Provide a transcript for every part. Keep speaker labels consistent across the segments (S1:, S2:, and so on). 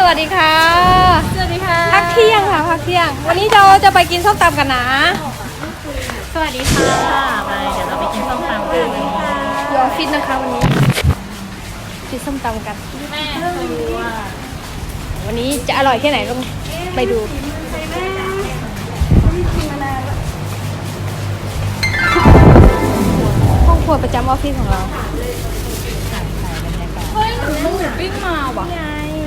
S1: วัสดีค่ะ
S2: สวัสดีค่ะ
S1: พักเที่ยงค่ะพักเที่ยงวันนี้เราจะไปกินส้มตำกันนะ
S2: สวัสดีค่ะไปเดี๋ยวเราไปกินส้มตำกัน
S1: อยู่ออฟฟิศนะคะวันนี้กินส้มตำกัน
S2: แม่ดูว่า
S1: วันนี้จะอร่อยแค่ไหนต้องไปดูห้องครัวประจำออฟฟิศของเรา
S2: เฮ้ยหนูปิ้งมาว่ะ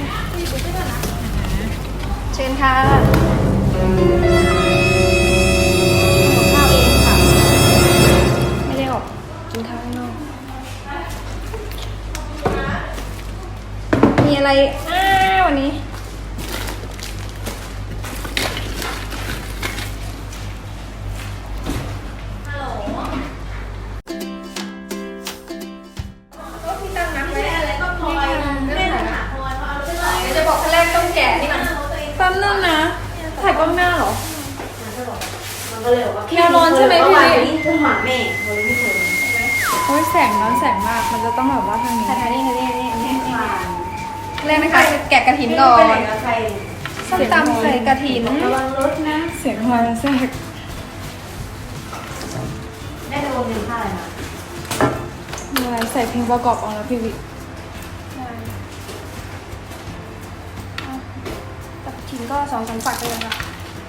S1: เชิญค่ะข้าวเองค่ะไม่ได้ออกกินข้าวข้างนอกมีอะไรวันนี้จะบอกขั้นแรกต้องแกะนี่มัน
S2: แป๊บนึงนะถ่ายกล้องหน้าเหรอ
S3: มันก็เลยบอกว่า
S2: แนวร้อนใช่ไหมพี่
S3: นี่คือหมาแม่เขาเลยไม่เคย
S2: โอ้ยแสงร้อนแสงมากมันจะต้องแบบว่าทางนี้
S1: ถ่ายนี่นี่
S3: ผ่าน
S1: แรกนะคะแกะกระถินก่อ
S3: ไปไหน
S1: น
S3: กับใคร
S1: ส้มตำใส่กระถิน
S3: ระวังรถนะ
S2: เสียงมาแทรก
S3: ได้โดนหนึ่งค่าอะไรมา
S2: มีอะไรใส่เพลงประกอบเอาแล้วพี่วิ
S1: กระถินก็2-3ฝักเลยค่ะ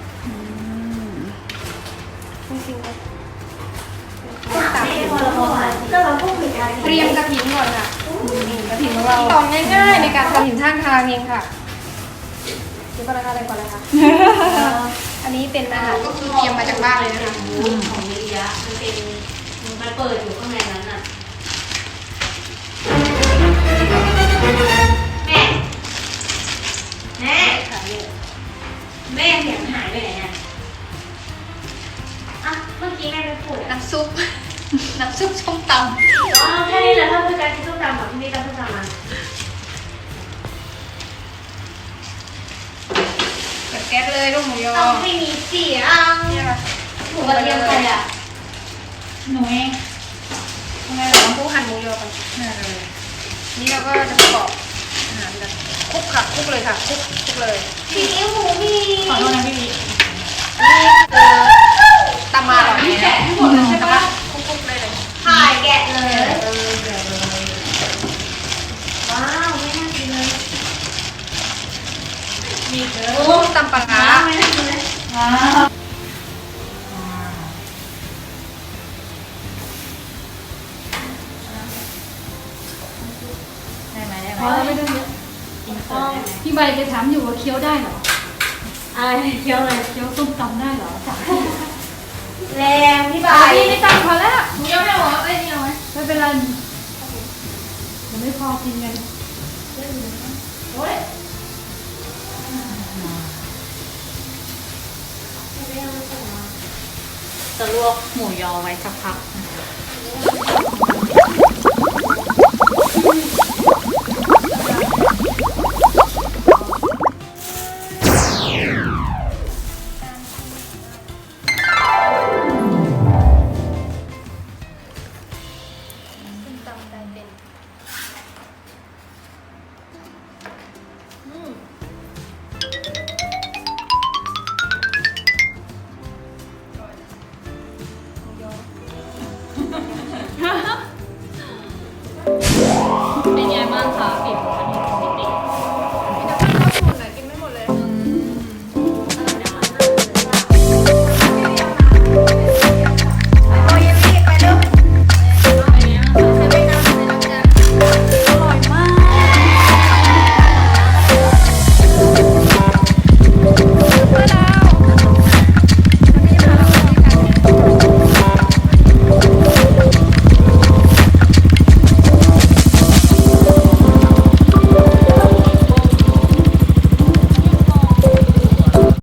S1: จริงๆเลยส้มตำ
S3: พอเราพอผ่านก็เราพูดผิดอะไร
S1: เตรียมกระถินก่อนค่ะกระถินของเราตองง่ายๆในการทำหินข้างทางเองค่ะเดี๋ยวก่อนนะคะอะไรก่อนเลยค่ะอันนี้เป็นอาหารก็คือเตรียมมาจากบ้านเลยนะคะ
S3: ของมิริยะมันเป็นมันเปิดอยู่ข้างในนั้นน่ะแม่แม่แม่เสียงหายไปไหนอ่ะอ่ะเมื่อกี้แม่ไปพูดอ่ะ
S1: น้ำซุป น้ำซุปส้มต
S3: อ๋อแค่นี้แหละถ้าพูดการกินส้มตำแบบที่นี่ตำส้มตำมา
S1: ำเปิดแก๊สเลยลูกหมูยอ
S3: ต้องให้มีเสียง
S1: เนี่ยค่ะ
S3: หมูกระเทียมใครอ่ะ
S2: หนูเอง
S1: ทำไงเราต้องหั่นหมูยอก่อนนี่เราก็จะประกอบอาหารกันคลุกค่ะคลุกเลยค่ะคลุกเลย
S3: ซีอิ๊วหมูมี
S2: ขอโทษนะพี่วิ
S1: นี่คือตำมาหรอเนี่ย
S3: แกะให้หมดเลยใช่ปะ
S1: คลุกๆเลยเลย
S3: ถ่ายแกะเลยว้าวไม่น่ากินเลย
S2: มีเด้อ
S1: โอ้ตำปลาร้า
S3: ไม่น่ากินเลย
S2: ว้าวได้ไหมได้ไหม
S4: พอแล้วไม่ต้องเยอะ
S2: กินเสร็จได้ไหม
S4: พี่ใบจะถามอยู่ว่าเคี้ยวได้เหรอ
S3: อะไรเคี้ยวเลย
S4: เคี้ยวส้มตำได้เหรอจ้ะ
S3: แรงพี่ใบ
S4: พี่ไม่ตังพอแล้ว
S1: หมูยอไม่เอาเหรอเอ้ยนี่เอาไหม
S4: ไม่เป็นไรเดี๋ยวไม่พอกินกัน
S3: โอ้ย
S2: จะลวกหมูยอไว้สักพัก
S1: ส้มตำแต่เป็น
S2: เป็นไงบ้างคะปิด